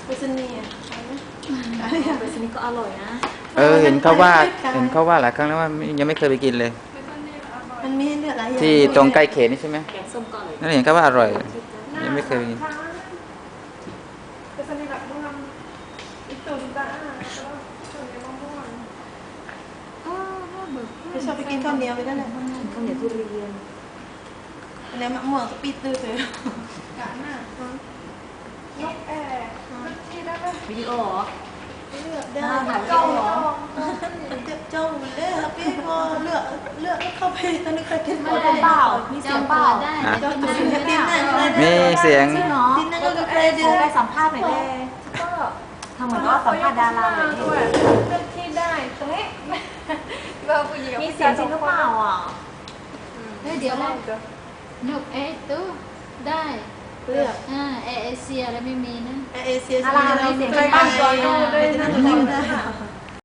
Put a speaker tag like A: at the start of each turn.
A: ไปสนีอ่ะไปสนีก็อร่อยนะ
B: เห็นเขาว่าหลายครั้งแล้วว่ายังไม่เคยไปกินเลย
A: มันมีเลือดหลายอย่าง
B: ที่ตรงใกล้เขตนี่ใช่ไหม
A: แกงส้มก็อร่อย
B: นั่นเห็นเขาว่าอร่อยยังไม่เคยไปกิน
C: ไปสนีแบบม่วงอีตุ่นตาแล้วก็ส่วนใหญ่ม่วง
A: ไม่ชอบไปกินข้าวเหนียวไปนั่นแหละข้าวเหนียวทุเรียนอันนี้มะม่วงปีตื้อเลย
C: กะหน้านกแอร์ที่ได้ไหม
A: วิดีโอเหรอ
C: เลือก
A: ได้
C: จ้อง
A: เจ้าเลยครับพี่พอเลือกเข้าไปตอนนี้เคยกินเปล่ามีเสียงเปล่าได้เจ้าตัวนี้ดินนั่น
B: มีเสียง
A: ดินนั่นก็เคยดินไปสัมภาษณ์หน่อยเลย
C: ก็
A: ทำเหมือนก็สัมภาษณ์ดาราเลย
C: ด้วยเลือกที่ได้ตรงนี้
A: มีเสียงจริงหรือเปล่าอ่ะ
D: เดี๋ยวนะนกตู้ได้
A: เลือก
D: เอเชียแล้วไม่มีนะ
A: เอเชีย
C: อะไรเสียงใครบ้างก่อนดู